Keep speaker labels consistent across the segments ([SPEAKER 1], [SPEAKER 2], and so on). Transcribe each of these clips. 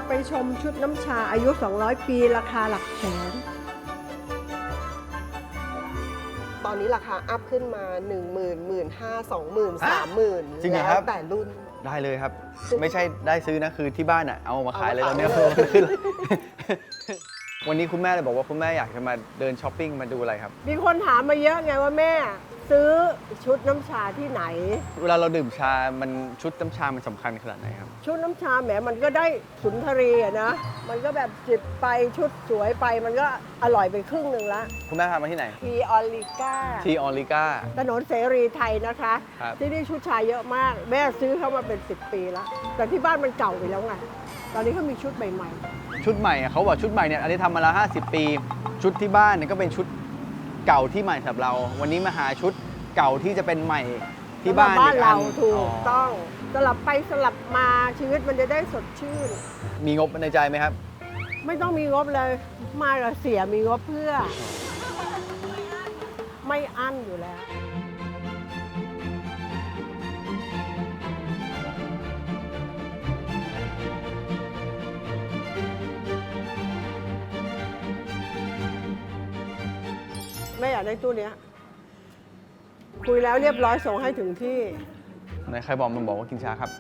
[SPEAKER 1] ไปชมชุดน้ำชาอายุ 200 ปีราคาหลักแสน
[SPEAKER 2] ตอนนี้ราคาอัพขึ้นมา 10,000 15,000 20,000 30,000
[SPEAKER 3] จริงเหรอค
[SPEAKER 2] แล้
[SPEAKER 3] รั
[SPEAKER 2] ว
[SPEAKER 3] บ
[SPEAKER 2] แต่รุ่น
[SPEAKER 3] ได้เลยครับ ไม่ใช่ได้ซื้อนะคือที่บ้านอ่ะเอามาขายเลยต
[SPEAKER 2] เอา
[SPEAKER 3] อน
[SPEAKER 2] มา
[SPEAKER 3] นี้
[SPEAKER 2] ขายเลย
[SPEAKER 3] ขึ้นเลย วันนี้คุณแม่เลยบอกว่าคุณแม่อยากจะมาเดินช้อปปิ้งมาดูอะไรครับ
[SPEAKER 1] มีคนถามมาเยอะไงว่าแม่ซื้อชุดน้ำชาที่ไหน
[SPEAKER 3] เวลาเราดื่มชา มันชุดน้ำชา มันสำคัญขนาดไหนครับ
[SPEAKER 1] ชุดน้ำชาแหมมันก็ได้สุนทรีย์อะนะ มันก็แบบจิบไปชุดสวยไปมันก็อร่อยไปครึ่งหนึ่งละ
[SPEAKER 3] คุณแม่พามาที่ไหน
[SPEAKER 1] ทีออลิก้า
[SPEAKER 3] ที่ออริก้า
[SPEAKER 1] ถนนเสรีไทยนะคะ
[SPEAKER 3] ครับ
[SPEAKER 1] ที่นี่ชุดชายเยอะมาก แม่ซื้อเข้ามาเป็น 10 ปีแล้ว แต่ที่บ้านมันเก่าไปแล้วไง ตอนนี้เขามีชุดใหม่
[SPEAKER 3] ชุดใหม่อะเขาบอกชุดใหม่เนี่ยอันนี้ทำมาแล้ว50 ปี ชุดที่บ้านเนี่ยก็เป็นชุดเก่าที่ใหม่สำหรับเรา วันนี้มาหาชุดเก่าที่จะเป็นใหม่
[SPEAKER 1] ๆ
[SPEAKER 3] ที่บ้าน
[SPEAKER 1] บ้าน
[SPEAKER 3] อีกอั
[SPEAKER 1] เรา
[SPEAKER 3] น
[SPEAKER 1] ถูก
[SPEAKER 3] อ๋อ
[SPEAKER 1] ต้องสลับไปสลับมาชีวิตมันจะได้สดชื่น
[SPEAKER 3] มีงบในใจไหมครับ
[SPEAKER 1] ไม่ต้องมีงบเลย มากับเสียมีงบเพื่อ ไม่อั้นอยู่แล้ว แม่อยากได้ตู้เนี้ย คุยแล้วเรียบร้อยส่งให้ถึงที่
[SPEAKER 3] ไหนใครบอกมันบอกว่ากินชาครับ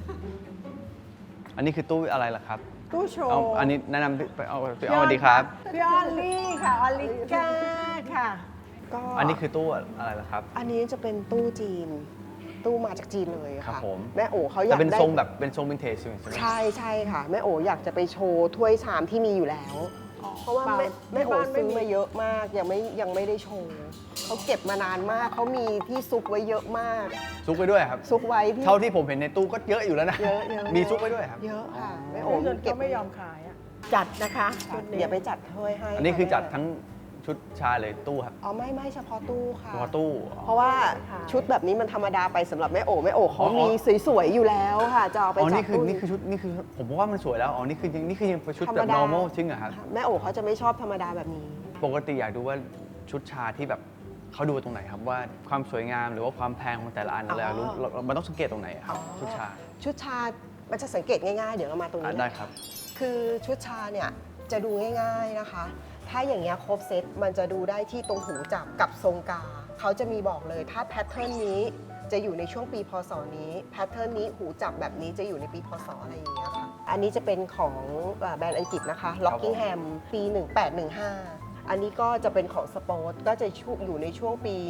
[SPEAKER 3] อันนี้คือตู้อะไรล่ะครับ
[SPEAKER 1] ตู้โช
[SPEAKER 3] เอา
[SPEAKER 1] ว์
[SPEAKER 3] อันนี้แนะนำไปเอาสวัสดีครับ
[SPEAKER 1] พี่ออลลี่ค่ะ ออลลิก้าค่ะ
[SPEAKER 2] ก็
[SPEAKER 3] อันนี้คือตู้อะไรล่ะครับ
[SPEAKER 2] อันนี้จะเป็นตู้จีน ตู้มาจากจีนเลย
[SPEAKER 3] ครั
[SPEAKER 2] ค่ะ
[SPEAKER 3] บผม
[SPEAKER 2] แม่โอเขาอยา
[SPEAKER 3] แต่
[SPEAKER 2] ก
[SPEAKER 3] เป็น
[SPEAKER 2] ได้
[SPEAKER 3] ทรงแบบเป็นทรงวินเทจใช่ไหม
[SPEAKER 2] ใช่ใช่ค่ะ แม่โออยากจะไปโชว์ถ้วยชามที่มีอยู่แล้ว เพราะว่า
[SPEAKER 1] เปล่า
[SPEAKER 2] แม่โอ
[SPEAKER 1] ที่บ้านไม่
[SPEAKER 2] ซื้อ
[SPEAKER 1] มี
[SPEAKER 2] มาเยอะมากยังไม่ได้โชว์เขาเก็บมานานมากเขามีที่ซุกไว้เยอะมาก
[SPEAKER 3] ซุกไปด้วยครับ
[SPEAKER 2] ซุกไว้ที่
[SPEAKER 3] เท่าที่ผมเห็นในตู้ก็เยอะอยู่แล้วนะ
[SPEAKER 2] เยอะ
[SPEAKER 3] มีซุกไปด้วยครับ
[SPEAKER 2] เยอะค่ะแม่
[SPEAKER 1] โอ้
[SPEAKER 2] โอ
[SPEAKER 1] เงิน
[SPEAKER 2] เก็
[SPEAKER 1] ก็
[SPEAKER 2] บ
[SPEAKER 1] ไม่ยอมขายอะจัดนะคะชุดนี้
[SPEAKER 2] เดี๋ยวไปจัดถ้วยให้
[SPEAKER 3] อันนี้คือจัด
[SPEAKER 2] แม่
[SPEAKER 3] ทั้งชุดชาเลยตู้ครับ
[SPEAKER 2] อ๋อไม่เฉพาะตู้ค่ะ
[SPEAKER 3] เฉพาะตู้
[SPEAKER 2] เพราะว่าชุดแบบนี้มันธรรมดาไปสำหรับแม่โอเขามีสวยๆอยู่แล้วค่ะจะเอาไป
[SPEAKER 3] อ๋อ
[SPEAKER 2] จั
[SPEAKER 3] นี่
[SPEAKER 2] ด
[SPEAKER 3] คือ
[SPEAKER 2] ตู้
[SPEAKER 3] นี่คือชุดนี่คือผมว่ามันสวยแล้วอ๋อนี่คือยังเป็นชุดแบบ normal จริงเหรอครับ
[SPEAKER 2] แม่โอเขาจะไม่ชอบธรรมดาแบบนี้
[SPEAKER 3] ปกติอยากดูว่าชุดชาที่แบบเขาดูตรงไหนครับว่าความสวยงามหรือว่าความแพงของแต่ละอันอะไรรู้มันต้องสังเกตตรงไหนอะครับชุดชา
[SPEAKER 2] ชุดชา มันจะสังเกตง่ายๆ เดี๋ยวเรามาตรงนี้
[SPEAKER 3] ได้ครับ
[SPEAKER 2] คือชุดชาเนี่ยจะดูง่ายๆนะคะ ถ้าอย่างเงี้ยครบเซตมันจะดูได้ที่ตรงหูจับกับทรงกา เขาจะมีบอกเลยถ้าแพทเทิร์นนี้จะอยู่ในช่วงปีพศนี้แพทเทิร์นนี้หูจับแบบนี้จะอยู่ในปีพศอะไรอย่างเงี้ยค่ะ อันนี้จะเป็นของแบรนด์อังกฤษนะคะ Rockingham ปี 1815 อันนี้ก็จะเป็นของสปอร์ตก็จะอยู่ในช่วงปี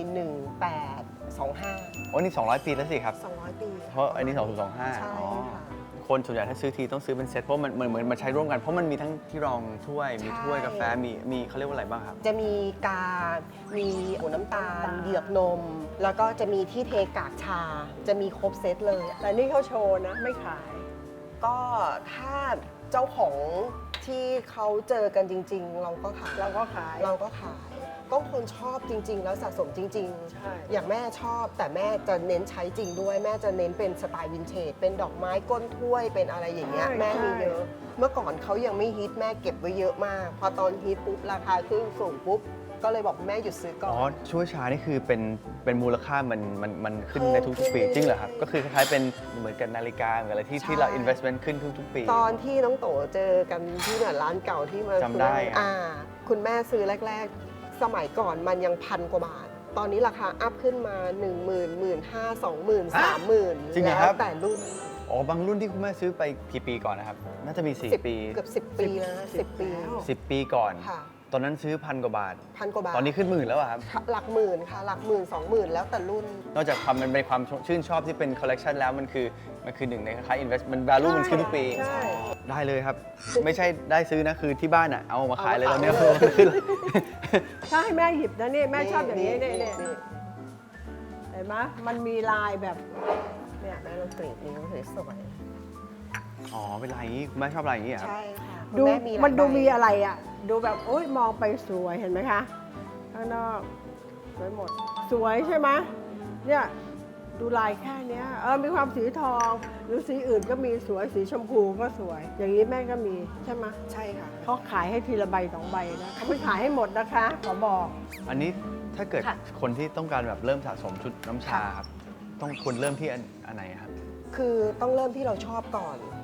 [SPEAKER 2] 1825
[SPEAKER 3] โอ้นี่200 ปีแล้วสิครับ
[SPEAKER 2] 200 ปี
[SPEAKER 3] เพราะอันนี้2025
[SPEAKER 2] ใช่
[SPEAKER 3] อ๋อ
[SPEAKER 2] ค่ะ
[SPEAKER 3] คนส่วนใหญ่ถ้าซื้อทีต้องซื้อเป็นเซ็ตเพราะมันเหมือนมาใช้ร่วมกันเพราะมันมีทั้งที่รองถ้วยมีถ้วยกาแฟมีเขาเรียกว่าอะไรบ้างครับ
[SPEAKER 2] จะมีกา มีหัวน้ำตาล เหยือกนม แล้วก็จะมีที่เทกากชา จะมีครบเซตเลย
[SPEAKER 1] แต่นี่เขาโชว์นะ ไม่ขาย
[SPEAKER 2] ก็ถ้าเจ้าของที่เขาเจอกันจริง ๆ เราก็ขาย
[SPEAKER 1] เราก็ขาย
[SPEAKER 2] เราก็ขาย ก็คนชอบจริง ๆ แล้วสะสมจริง
[SPEAKER 1] ใช่
[SPEAKER 2] อย่างแม่ชอบแต่แม่จะเน้นใช้จริงด้วย แม่จะเน้นเป็นสไตล์วินเทจ เป็นดอกไม้ก้นถ้วย เป็นอะไรอย่างเงี้ย แม่มีเยอะ เมื่อก่อนเขายังไม่ฮิตแม่เก็บไว้เยอะมาก พอตอนฮิตปุ๊บราคาขึ้นสูงปุ๊บ ก็เลยบอกแม่หยุดซื้อก่อ
[SPEAKER 3] อ๋อน ช่วยชานี่คือเป็นมูลค่ามันขึ้นในทุกๆปี
[SPEAKER 2] ขึ้น
[SPEAKER 3] จริงเหรอครับ ก็คือคล้ายๆเป็นเหมือนกับนาฬิกาเหมือนอะไรที่เรา investment ขึ้นทุกๆปี
[SPEAKER 2] ตอนที่น้องโตเจอกันที่เนี่ยร้านเก่าที่มา
[SPEAKER 3] จำได้
[SPEAKER 2] ซื้อ
[SPEAKER 3] อะ
[SPEAKER 2] คุณแม่ซื้อแรก ๆ สมัยก่อนมันยัง1,000 กว่าบาท ตอนนี้ราคาอัพขึ้นมา 10,000 15,000 20,000 30,000
[SPEAKER 3] จริงเหรอ
[SPEAKER 2] แล้
[SPEAKER 3] ครั
[SPEAKER 2] ว
[SPEAKER 3] บ
[SPEAKER 2] แต่รุ่น
[SPEAKER 3] อ๋อบางรุ่นที่คุณแม่ซื้อไปกี่ปีก่อนนะครับ น่าจะมี 4 ปี
[SPEAKER 2] เกือบ10 ปีแล้วนะ10 ปี
[SPEAKER 3] 10 ปีก่อน
[SPEAKER 2] ค่ะ
[SPEAKER 3] ตอนนั้นซื้อ1,000 กว่าบาท
[SPEAKER 2] 1,000 กว่าบาท
[SPEAKER 3] ตอนนี้ขึ้นหมื่นแล้วอะครับ
[SPEAKER 2] หลักหมื่นค่ะหลักหมื่น20,000 แล้วแต่รุ่น
[SPEAKER 3] นอกจากความมันเป็นความชื่นชอบที่เป็นคอลเลกชันแล้วมันคือหนึ่งในคล้ายๆ investment value มันขึ้นทุกปี
[SPEAKER 1] ใช่
[SPEAKER 3] ได้เลยครับ ไม่ใช่ได้ซื้อนะคือที่บ้านอ่ะเอามาขายเลยต
[SPEAKER 2] เอา
[SPEAKER 3] อน
[SPEAKER 2] มา
[SPEAKER 3] นี้
[SPEAKER 2] ขายเลย
[SPEAKER 3] ขึ้นเลย
[SPEAKER 1] ถ้าให้แม่หยิบนะนี่แม่ชอบอย่างนี้นี่
[SPEAKER 2] นี่
[SPEAKER 1] เห็นไหมมันมีลายแบบเนี่ย
[SPEAKER 2] แม่ลองกรีดนิ้วสวย
[SPEAKER 3] อ๋อเป็นลายอย่างนี้คุณแม่ชอบลายอย่างนี้เหรอ
[SPEAKER 2] ๆ
[SPEAKER 3] ครับ
[SPEAKER 2] ใช่ค่ะ
[SPEAKER 1] ดู
[SPEAKER 2] คุณแหลาย
[SPEAKER 1] มันดู
[SPEAKER 2] ใบ
[SPEAKER 1] มีอะไรอ่ะ ดูแบบโอ๊ยมองไปสวยเห็นไหมคะ ข้างนอกสวยหมด สวยใช่ไหมเนี่ยดูลายแค่เนี้ยมีความสีทอง หรือสีอื่นก็มีสวยสีชมพูก็สวย อย่างนี้แม่ก็มีใช่ไหม
[SPEAKER 2] ใช่ค่ะ
[SPEAKER 1] เขาขายให้ทีละใบ2 ใบนะเขาไม่ขายให้หมดนะคะขอบอก
[SPEAKER 3] อันนี้ถ้าเกิด
[SPEAKER 2] ค่ะ
[SPEAKER 3] คนที่ต้องการแบบเริ่มสะสมชุดน้ำชาครับต้องควรเริ่มที่อันไหนครับ
[SPEAKER 2] คือต้องเริ่มที่เราชอบก่อน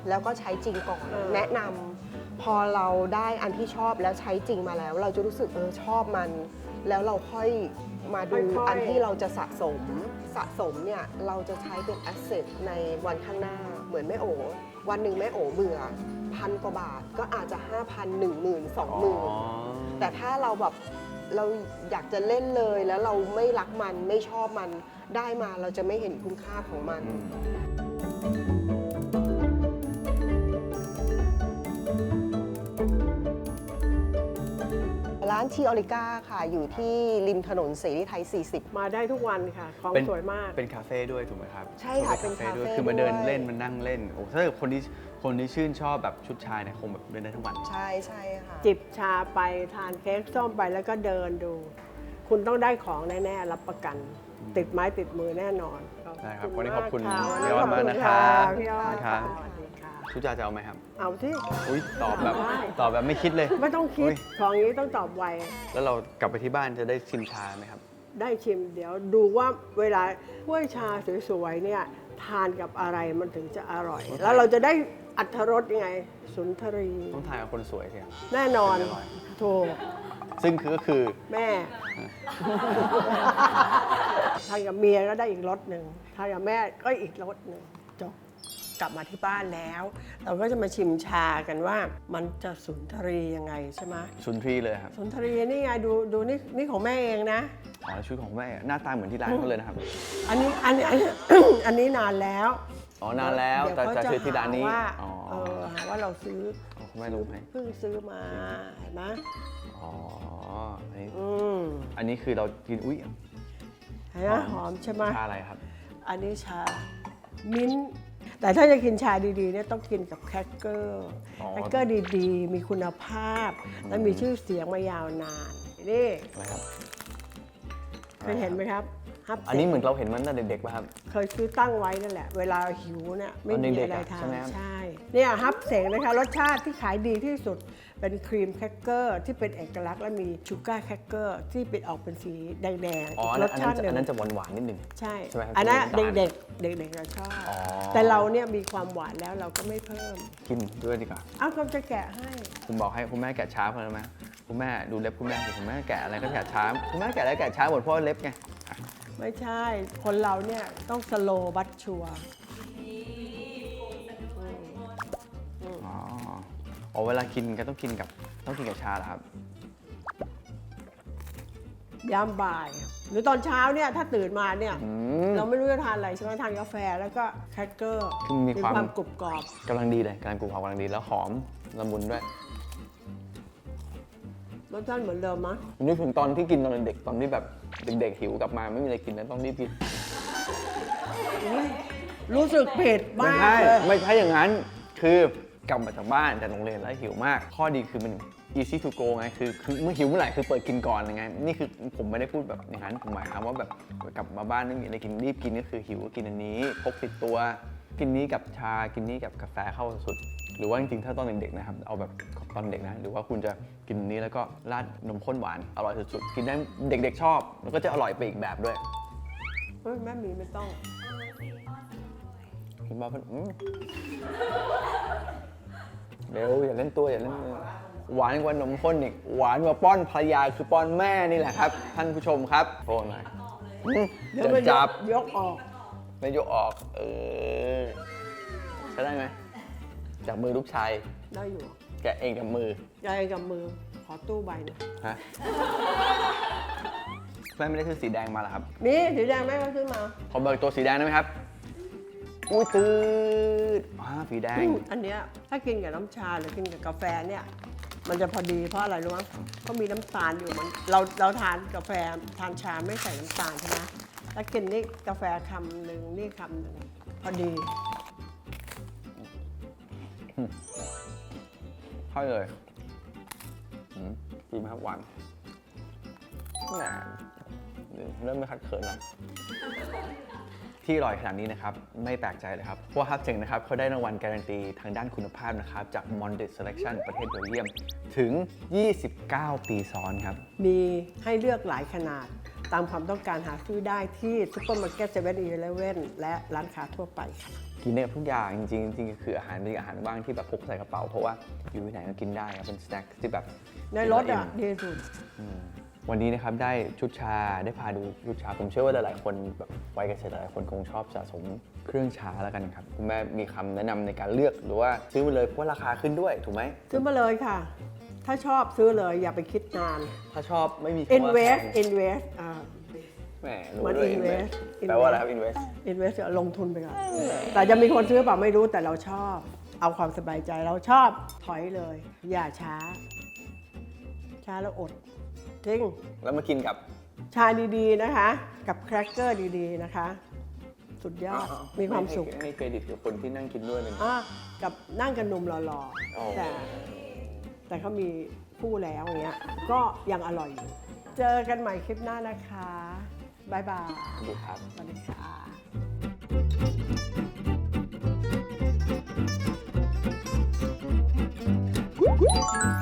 [SPEAKER 2] แล้วก็ใช้จริงก่อน แนะนำพอเราได้อันที่ชอบแล้วใช้จริงมาแล้ว เราจะรู้สึกชอบมัน แล้วเราค่อยมาดูอันที่เราจะสะสมเนี่ยเราจะใช้เป็นแอสเซทในวันข้างหน้าเหมือนแม่โอวันหนึ่งแม่โอเบื่อ1,000 กว่าบาทก็อาจจะ 5,000 10,000 20,000 แต่ถ้าเราแบบเราอยากจะเล่นเลยแล้วเราไม่รักมันไม่ชอบมันได้มาเราจะไม่เห็นคุณค่าของมัน ร้านทีออริก้าค่ะ อยู่ที่ริมถนนเสรีไทย 40
[SPEAKER 1] มาได้ทุกวันค่ะ ของสวยมาก
[SPEAKER 3] เป็นคาเฟ่ด้วยถูกไหมครับ
[SPEAKER 2] ใช่ค่ะเป็นคาเฟ่
[SPEAKER 3] ด้วยคือมาเดิน
[SPEAKER 2] ด้วย
[SPEAKER 3] เล่นมันนั่งเล่นโอ้ถ้าเกิดคนที่ชื่นชอบแบบชุดชายเนี่ยคงแบบเดินได้ทั้งวัน
[SPEAKER 2] ใช่ค่ะ
[SPEAKER 1] จิบชาไปทานเค้กส้มไปแล้วก็เดินดู คุณต้องได้ของแน่ๆรับประกัน ติดไม้ติดมือแน่นอน
[SPEAKER 3] ได้ครับวันนี้ขอบคุณ
[SPEAKER 1] ะ
[SPEAKER 3] พี่ออดมากนะครับ
[SPEAKER 1] พี่ออด
[SPEAKER 3] ครับ
[SPEAKER 1] สวัสดีค่ะ
[SPEAKER 3] ชุดชายจะเอาไหมครับ
[SPEAKER 1] เอาที่
[SPEAKER 3] อุ้ยตอบแบบ
[SPEAKER 1] ได้
[SPEAKER 3] ตอบแบบไม่คิดเลย
[SPEAKER 1] ไม่ต้องคิด
[SPEAKER 3] อุ๊ย
[SPEAKER 1] ของอย่างนี้ต้องตอบไว
[SPEAKER 3] แล้วเรากลับไปที่บ้านจะได้ชิมชาไหมครับ
[SPEAKER 1] ได้ชิมเดี๋ยวดูว่าเวลาถ้วยชาสวยๆเนี่ยทานกับอะไรมันถึงจะอร่อย แล้วเราจะได้อรรถรสยังไง สุนทรี
[SPEAKER 3] ต้องทานกับคนสวยสิครับ
[SPEAKER 1] แน่นอน
[SPEAKER 3] ถึงจะอร่อย
[SPEAKER 1] ถูก
[SPEAKER 3] ซึ่งก็คือ
[SPEAKER 1] แม่ ทานกับเมียก็ได้อีกรสหนึ่งทานกับแม่ก็อีกรสหนึ่งจบกลับมาที่บ้านแล้ว เราก็จะมาชิมชากันว่ามันจะสุนทรียังไงใช่ไหม
[SPEAKER 3] สุนทรีเลยครับ
[SPEAKER 1] สุนทรีนี่ไงดูนี่ของแม่เองนะ
[SPEAKER 3] อ๋อชุดของแม่หน้าตาเหมือนที่ร้านเขาเลยนะครับ
[SPEAKER 1] อันนี้ อันนี้นานแล้ว
[SPEAKER 3] อ๋อนานแล้ว
[SPEAKER 1] เดี๋ย
[SPEAKER 3] แต่
[SPEAKER 1] เขา
[SPEAKER 3] จะซื้อที่ร้านนี้
[SPEAKER 1] หว่า
[SPEAKER 3] อ๋อ
[SPEAKER 1] หาว่าเราซื้อ
[SPEAKER 3] คุณแม่รู้ไหม
[SPEAKER 1] เพิ่งซื้อมาเห็นไหม
[SPEAKER 3] อ๋ออันนี้
[SPEAKER 1] อืม
[SPEAKER 3] อันนี้คือเรากินอุ้ย
[SPEAKER 1] เห็นไหมหอมใช่ไหม
[SPEAKER 3] ชาอะไรครับ
[SPEAKER 1] อันนี้ชามิ้นท์แต่ถ้าจะกินชาดีๆเนี่ยต้องกินกับแครกเกอร์
[SPEAKER 3] อ๋อ
[SPEAKER 1] แครกเกอร์ดีๆ มีคุณภาพ และมีชื่อเสียงมายาวนานนี่
[SPEAKER 3] อะไรครับ
[SPEAKER 1] เคยเห็นไหมครับฮับ
[SPEAKER 3] อันนี้เหมือนเราเห็นมันตั้งแต่เด็กๆป่ะครับ
[SPEAKER 1] เคยซื้อตั้งไว้นั่นแหละ เวลาหิวเนี่ยไม่มี
[SPEAKER 3] ตอนเด็กๆ
[SPEAKER 1] อะไร
[SPEAKER 3] อะ
[SPEAKER 1] ทา
[SPEAKER 3] ใช่ไหม
[SPEAKER 1] น
[SPEAKER 3] ครับ
[SPEAKER 1] ใช่เนี่ยฮับเสงนะคะรสชาติที่ขายดีที่สุดเป็นครีมแครกเกอร์ที่เป็นเอกลักษณ์และมีชูการ์แครกเกอร์ที่เป็นออกเป็นสีแดง
[SPEAKER 3] อ๋อ
[SPEAKER 1] ๆ
[SPEAKER 3] อัน
[SPEAKER 1] ร
[SPEAKER 3] นั้น
[SPEAKER 1] สชาติหนึ่
[SPEAKER 3] อันนั้น
[SPEAKER 1] ง
[SPEAKER 3] จะหวานๆนิดนึง
[SPEAKER 1] ใช่
[SPEAKER 3] ใช่ไหมครับ
[SPEAKER 1] อันนั้น
[SPEAKER 3] จะมีน้ำตาล
[SPEAKER 1] เด็กๆจะชอบ
[SPEAKER 3] อ๋อ
[SPEAKER 1] แต่เราเนี่ยมีความหวานแล้วเราก็ไม่เพิ่ม
[SPEAKER 3] กินด้วยดีกว่า
[SPEAKER 1] เอ้าก็จะแกะให้
[SPEAKER 3] ผมบอกให้คุณแม่แกะช้าเพราะอะไรไหมคุณแม่ดูเล็บคุณแม่สิคุณแม่แกะอะไรก็แกะช้าคุณแม่แกะอะไรแกะช้าหมดเพราะเล็บไง
[SPEAKER 1] ไม่ใช่ คนเราเนี่ยต้องสโลบัตชัว
[SPEAKER 3] อ๋ออ๋อเวลากินก็ต้องกินกับชาเหรอครับ
[SPEAKER 1] ยามบ่าย หรือตอนเช้าเนี่ยถ้าตื่นมาเนี่ย
[SPEAKER 3] อืม
[SPEAKER 1] เราไม่รู้จะทานอะไรใช่ไหมทานกาแฟแล้วก็แครกเกอร์
[SPEAKER 3] คือมีความ
[SPEAKER 1] กรุบกรอบ
[SPEAKER 3] กำลังดีเลยกำลังกรุบกรอบกำลังดีแล้วหอมละมุนด้วย
[SPEAKER 1] รสชาติเหมือนเดิมมั้ย
[SPEAKER 3] นึกถึงตอนที่กินตอนเด็กตอนที่แบบเด็กๆหิวกลับมาไม่มีอะไรกินแล้วต้องรีบกิน
[SPEAKER 1] รู้สึกผิด
[SPEAKER 3] ไม่
[SPEAKER 1] มาก
[SPEAKER 3] ใช่
[SPEAKER 1] เลย
[SPEAKER 3] ไม่ใช่อย่างนั้น คือกลับมาจากบ้านจากโรงเรียนแล้วหิวมาก ข้อดีคือมัน easy to go ไงคือเมื่อหิวเมื่อไหร่คือเปิดกินก่อนไงนี่คือผมไม่ได้พูดแบบอย่างนั้นผมหมายความว่าแบบกลับมาบ้านไม่มีอะไรกินรีบกินก็คือหิวก็กินอันนี้พกติดตัวกินนี้กับชากินนี้กับกาแฟเข้าสุด หรือว่าจริงๆถ้าตอนเด็กๆนะครับเอาแบบตอนเด็กนะหรือว่าคุณจะกินนี้แล้วก็ราดนมข้นหวานอร่อยสุดๆกินได้เด็กๆชอบแล้วก็จะอร่อยไปอีกแบบด้วย
[SPEAKER 1] เฮ้ยแม่หมีไม่ต้อง
[SPEAKER 3] คุณบ้าเพิ่นเร็วอย่าเล่นตัวอย่าเล่นตัวหวานกว่านมข้นอีกหวานกว่าป้อนภรรยาคือป้อนแม่นี่แหละครับ ท่านผู้ชมครับโทษหน่อย
[SPEAKER 1] เดี๋ยวมัน
[SPEAKER 3] จับ
[SPEAKER 1] ยกออก
[SPEAKER 3] ไม่ยกออกใช้ได้ไหมจากมือลูกชาย
[SPEAKER 1] ได้อยู่
[SPEAKER 3] แกะเองกับมือย
[SPEAKER 1] ายกับมือขอตู้ใบหนะ
[SPEAKER 3] ฮะแม่ไม่ได้ซื้อสีแดงมาเหรอครับ
[SPEAKER 1] มีสีแดงแม่ก็ซื้อมา
[SPEAKER 3] ขอเบิกตัวสีแดงได้ไหมครับอุ้ยตืดสีแดง
[SPEAKER 1] อันเนี้ยถ้ากินกับน้ำชาหรือกินกับกาแฟเนี่ย มันจะพอดีเพราะอะไรรู้ไหมเพราะมีน้ำตาลอยู่มันเราทานกาแฟทานชาไม่ใส่น้ำตาลใช่ไหมแล้วกินนี่กาแฟคำหนึ่งนี่คำหนึ่งพอดี
[SPEAKER 3] ค่อยเลยดีไหมครับหวานแหมเริ่มไม่คัดเขินแล้วที่อร่อยขนาดนี้นะครับไม่แปลกใจเลยครับเพราะว่าฮับเจ๋งนะครับเขาได้รางวัลการันตีทางด้านคุณภาพนะครับจาก Mondet Selection ประเทศเบลเยียมถึง 29 ปีซ้อนครับ
[SPEAKER 1] มีให้เลือกหลายขนาด ตามความต้องการหาซื้อได้ที่ซุปเปอร์มาร์เก็ต7-Eleven และร้านค้าทั่วไปค่ะ
[SPEAKER 3] กินได้กับทุกอย่างจริงๆจริงๆคืออาหารเป็นอาหารว่างที่แบบพกใส่กระเป๋าเพราะว่าอยู่ที่ไหนก็กินได้ครับเป็นสแน็คที่แบบ
[SPEAKER 1] ในรถอ่ะดีสุด
[SPEAKER 3] วันนี้นะครับได้ชุดชาได้พาดูชุดชาผมเชื่อว่าหลายๆคนแบบวัยเกษตรหลายๆคนคงชอบสะสมเครื่องชาแล้วกันครับคุณแม่มีคำแนะนำในการเลือกหรือว่าซื้อมาเลยเพราะว่าราคาขึ้นด้วยถูกไหม
[SPEAKER 1] ซื้อมาเลยค่ะ ถ้าชอบซื้อเลยอย่าไปคิดนาน
[SPEAKER 3] ถ้าชอบไม่มีคำว่า
[SPEAKER 1] invest
[SPEAKER 3] แพง
[SPEAKER 1] invest
[SPEAKER 3] แหมรู้
[SPEAKER 1] เหมือน
[SPEAKER 3] ด้วย
[SPEAKER 1] invest
[SPEAKER 3] แปลว่าอะไรครับ invest
[SPEAKER 1] invest ลงทุนไปก่อนแต่จะมีคนซื้อเปล่าไม่รู้แต่เราชอบ เอาความสบายใจเราชอบถอยเลย อย่าช้า ช้าแล้วอดจริง
[SPEAKER 3] แล้วมากินกับ
[SPEAKER 1] ชาดีๆนะคะ กับแครกเกอร์ดีๆนะคะ สุดยอดมีความสุข
[SPEAKER 3] ให้เครดิตกับคนที่นั่งกินด้วยเลยนะ
[SPEAKER 1] กับนั่งกันหนุ่มหล่อ
[SPEAKER 3] อ๋อ
[SPEAKER 1] ๆแต่เขามีคู่แล้วอย่างเงี้ยก็ยังอร่อยอยู่ เจอกันใหม่คลิปหน้านะคะบ๊ายบาย
[SPEAKER 3] ดูครับ
[SPEAKER 1] สวัสดีค่ะ
[SPEAKER 3] อ